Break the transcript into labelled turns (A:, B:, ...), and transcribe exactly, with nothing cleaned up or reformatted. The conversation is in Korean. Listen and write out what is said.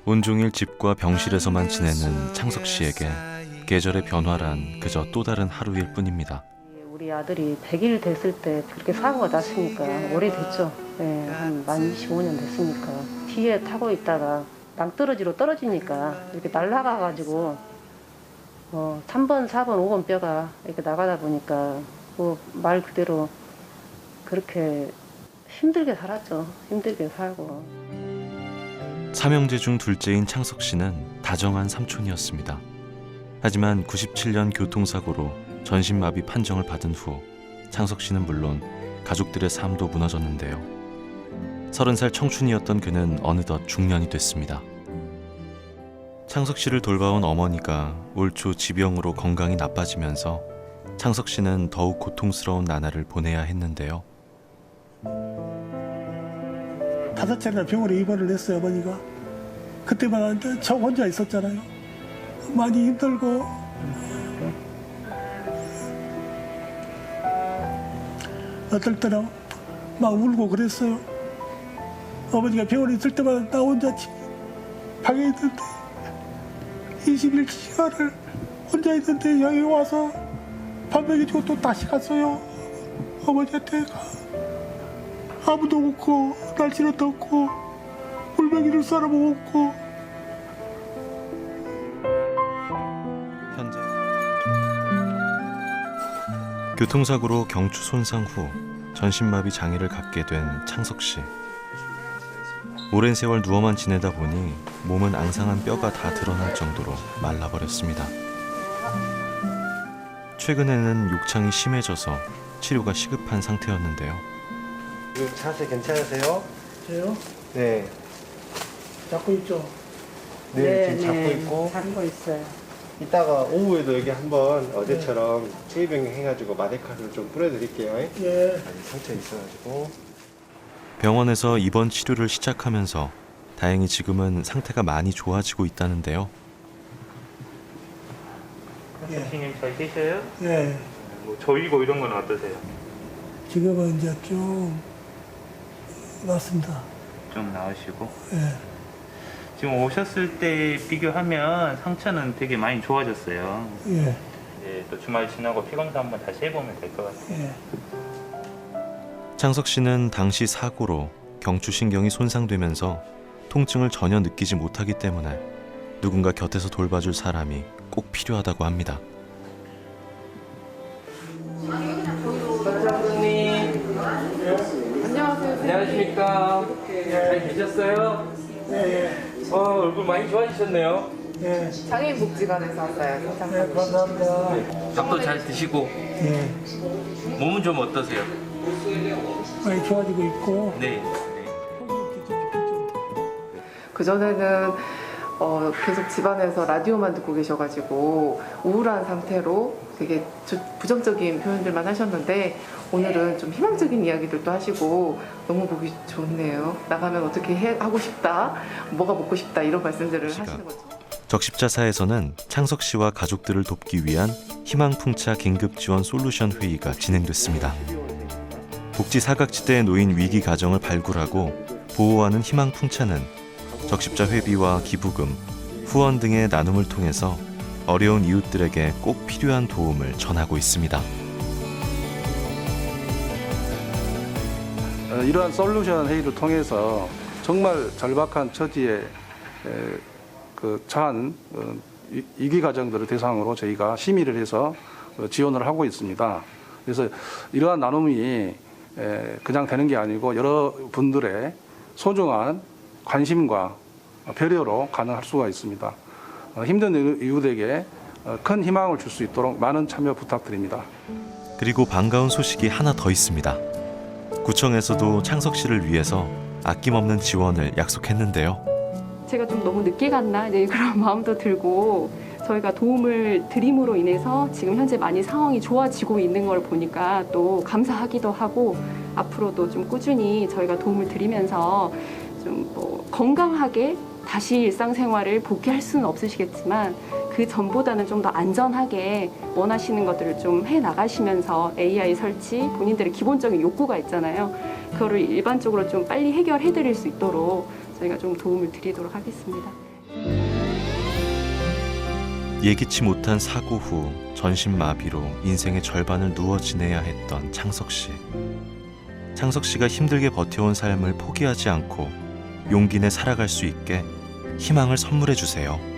A: 온종일 집과 병실에서만 지내는 창석 씨에게 계절의 변화란 그저 또 다른 하루일 뿐입니다.
B: 우리 아들이 백 일 됐을 때 그렇게 사고가 났으니까 오래됐죠. 네, 한 만 이십오 년 됐으니까. 뒤에 타고 있다가 낭떠러지로 떨어지니까 이렇게 날아가가지고 어, 삼 번, 사 번, 오 번 뼈가 이렇게 나가다 보니까 뭐 말 그대로 그렇게 힘들게 살았죠. 힘들게 살고.
A: 삼형제 중 둘째인 창석 씨는 다정한 삼촌이었습니다. 하지만 구십칠 년 교통사고로 전신마비 판정을 받은 후 창석 씨는 물론 가족들의 삶도 무너졌는데요. 서른 살 청춘이었던 그는 어느덧 중년이 됐습니다. 창석 씨를 돌봐온 어머니가 올 초 지병으로 건강이 나빠지면서 창석 씨는 더욱 고통스러운 나날을 보내야 했는데요.
C: 다섯 차례나 병원에 입원을 했어요, 어머니가. 그때만 저 혼자 있었잖아요. 많이 힘들고 어떨 때는 막 울고 그랬어요. 어머니가 병원에 있을 때마다 나 혼자 방에 있는데 이십일 시간을 혼자 있는데 여기 와서 밥 먹여주고 또 다시 갔어요. 어머니한테 아무도 없고 날씨는 덥고 물 먹이줄 사람 없고.
A: 현재 교통사고로 경추 손상 후 전신마비 장애를 갖게 된 창석 씨. 오랜 세월 누워만 지내다 보니 몸은 앙상한 뼈가 다 드러날 정도로 말라버렸습니다. 최근에는 욕창이 심해져서 치료가 시급한 상태였는데요.
D: 지금 자세 괜찮으세요?
C: 저요?
D: 네.
C: 잡고 있죠?
D: 네, 지금 잡고 있고.
B: 잡고 있어요.
D: 이따가 오후에도 여기 한번 어제처럼 찌병 해가지고 마데카를 좀 뿌려드릴게요.
C: 예.
D: 아직 상처 있어가지고.
A: 병원에서 입원 치료를 시작하면서 다행히 지금은 상태가 많이 좋아지고 있다는데요.
E: 선생님 잘 계셔요?
C: 예.
E: 뭐 저이고 이런 건 어떠세요?
C: 지금은 이제 좀 낫습니다.
E: 좀 나으시고.
C: 예.
E: 지금 오셨을 때 비교하면 상처는 되게 많이 좋아졌어요.
C: 예.
E: 이제 또 주말 지나고 피검사 한번 다시 해보면 될 것 같아요.
C: 예.
A: 창석 씨는 당시 사고로 경추신경이 손상되면서 통증을 전혀 느끼지 못하기 때문에 누군가 곁에서 돌봐줄 사람이 꼭 필요하다고 합니다.
F: 원장님 안녕하세요. 안녕하십니까. 잘 계셨어요?
C: 예.
F: 어, 얼굴 많이 좋아지셨네요.
C: 예.
F: 장애인복지관에서 왔어요.
C: 예. 감사합니다.
F: 밥도 잘 드시고
C: 예.
F: 몸은 좀 어떠세요?
C: 많이 좋아지고 있고.
F: 네.
G: 그전에는 어, 계속 집안에서 라디오만 듣고 계셔가지고 우울한 상태로 되게 부정적인 표현들만 하셨는데 오늘은 좀 희망적인 이야기들도 하시고 너무 보기 좋네요. 나가면 어떻게 해, 하고 싶다, 뭐가 먹고 싶다 이런 말씀들을 하시는 거죠.
A: 적십자사에서는 창석 씨와 가족들을 돕기 위한 희망풍차 긴급지원 솔루션 회의가 진행됐습니다. 복지 사각지대에 놓인 위기 가정을 발굴하고 보호하는 희망풍차는 적십자 회비와 기부금, 후원 등의 나눔을 통해서 어려운 이웃들에게 꼭 필요한 도움을 전하고 있습니다.
H: 이러한 솔루션 회의를 통해서 정말 절박한 처지에 그 처한 위기 가정들을 대상으로 저희가 심의를 해서 지원을 하고 있습니다. 그래서 이러한 나눔이 그냥 되는 게 아니고 여러분들의 소중한 관심과 배려로 가능할 수가 있습니다. 힘든 이웃에게 큰 희망을 줄 수 있도록 많은 참여 부탁드립니다.
A: 그리고 반가운 소식이 하나 더 있습니다. 구청에서도 창석 씨를 위해서 아낌없는 지원을 약속했는데요.
I: 제가 좀 너무 늦게 갔나 이제 그런 마음도 들고 저희가 도움을 드림으로 인해서 지금 현재 많이 상황이 좋아지고 있는 걸 보니까 또 감사하기도 하고 앞으로도 좀 꾸준히 저희가 도움을 드리면서 좀 뭐 건강하게 다시 일상생활을 복귀할 수는 없으시겠지만 그 전보다는 좀 더 안전하게 원하시는 것들을 좀 해나가시면서 에이아이 설치, 본인들의 기본적인 욕구가 있잖아요. 그거를 일반적으로 좀 빨리 해결해 드릴 수 있도록 저희가 좀 도움을 드리도록 하겠습니다.
A: 예기치 못한 사고 후 전신마비로 인생의 절반을 누워 지내야 했던 창석 씨. 창석 씨가 힘들게 버텨온 삶을 포기하지 않고 용기 내 살아갈 수 있게 희망을 선물해 주세요.